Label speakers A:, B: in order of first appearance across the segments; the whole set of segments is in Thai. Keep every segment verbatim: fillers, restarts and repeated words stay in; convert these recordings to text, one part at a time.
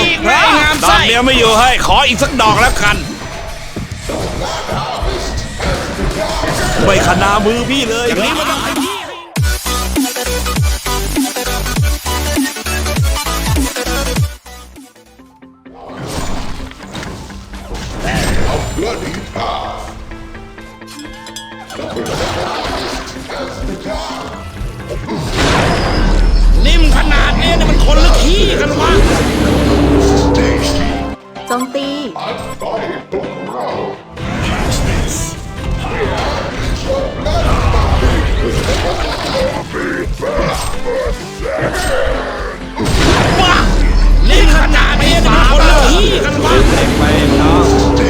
A: ไม่งามไส้ดอกเดียวไม่อยู่ให้ขออีกสักดอกแล้วกันไม่ขนามือพี่เลยอย่างนี้มันต้องขยี้นิ่มขนาดนี้เนี่ยมันคนหรือขี้กันวะ
B: โจมตี
A: ว้านิ่มขนาดนี้เนี่ยมันคนหรือขี้กันวะเด็กไปน้อง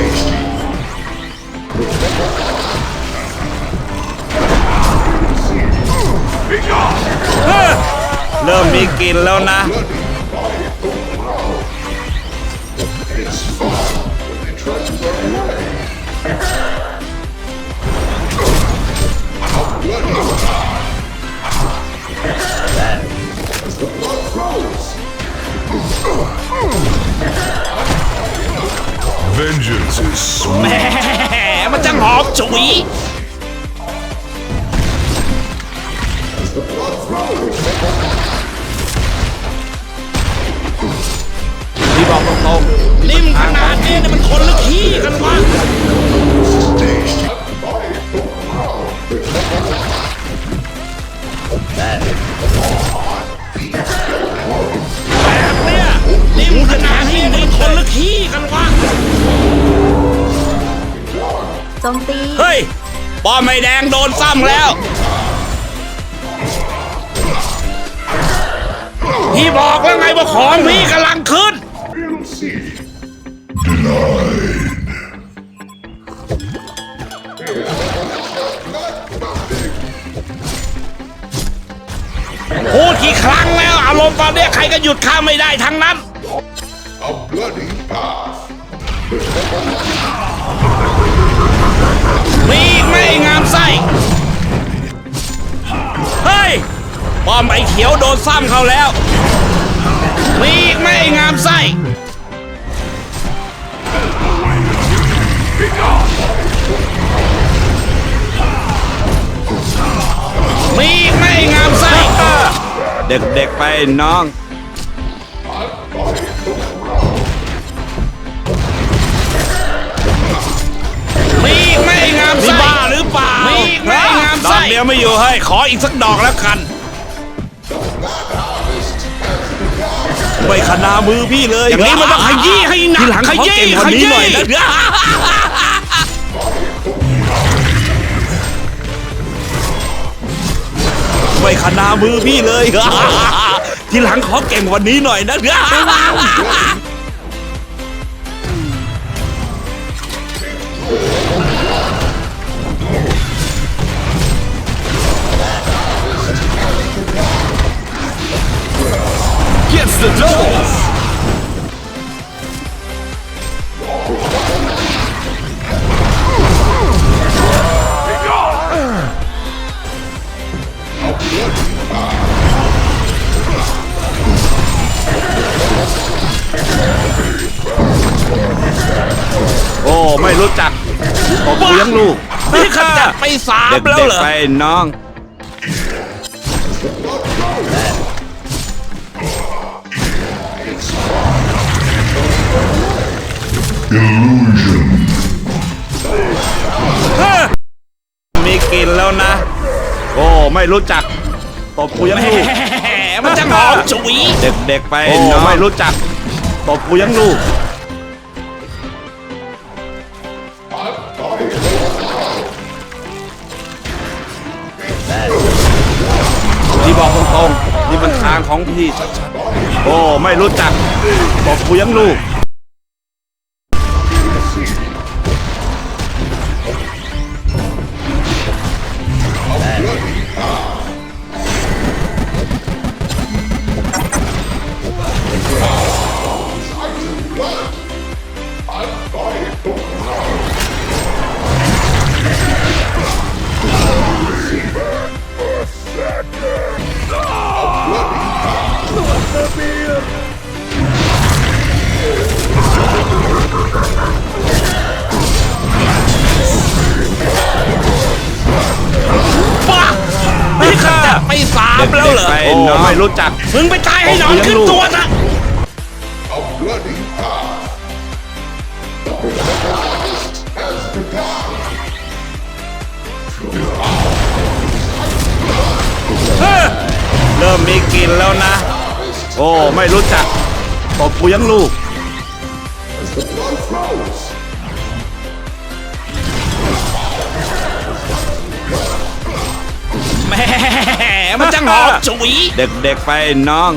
A: เริ่มมีกลิ่นแล้วนะแหมมันจังหอมฉุยพี่บอกตรงๆนิ่มขนาดนี้เนี่ยมันคนหรือขี้กันวะแบบเนี้ยนิ่มขนาดนี้เนี่ยมันคนหรือขี้กันวะ
B: โจมตี
A: เฮ้ยป้อมไม่แดงโดนซ้ำแล้วพี่บอกแล้วไงว่าของพี่กำลังขึ้นพูดกี่ครั้งแล้วอารมณ์ตอนนี้ใครก็หยุดข้าไม่ได้ทั้งนั้นมีไม่งามไส้เฮ้ยป้อมไอ้เขียวโดนซ้ำเขาแล้วมีไม่งามไส้มีไม่งามไส้เด็กๆไปน้องมีไม่งามไส้บ้าหรือเปล่ามีไม่งามไส้ดอกเดียวไม่อยู่ให้ขออีกสักดอกแล้วกันไม่ขนามือพี่เลยอย่างนี้มันต้องขยี้ให้หนักขยี้ขยี้หน่อยนะไม่ขนามือพี่เลยทีหลังขอเก่งวันนี้หน่อยนะGets the doubles. โอ้ไม่รู้จักผมเลี้ยงลูกนี่ขจัดไปสามแล้วเหรอไปน้องมีกลิ่นแล้วนะโอ้ไม่รู้จักตบกูยังลูกมันจะหอมฉุยเด็กๆไปโอ้ไม่รู้จักตบกูยังลูกพี่บอกตรงๆนี่มันทางของพี่ชัดๆโอ้ไม่รู้จักตบกูยังลูก
C: ำแล้วเหรอ
A: ไปน้องไม่รู้จัก
C: มึงไปตายให้หนอนขึ้นตัวซะ
A: เริ่มมีกลิ่นแล้วนะ โอ้ไม่รู้จักตบกูยังลูก
C: แหมมันจังหอมฉุย
A: เด็กๆไปน้อง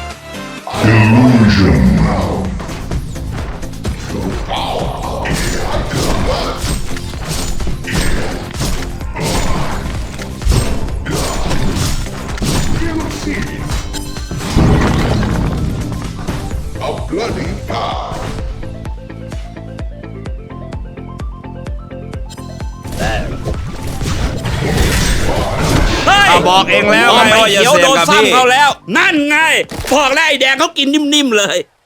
C: เฮ้ย
A: เอาบอกเองแล้ว
C: ไอ้
A: ไงว่าอย่า
C: เขียว
A: เสีย
C: โด
A: ง
C: น
A: กับ
C: ซ้ำ
A: พี่
C: เขาแล้ว นั่นไงบอกแล้วไอ้แดงเขากินนิ่มๆเลย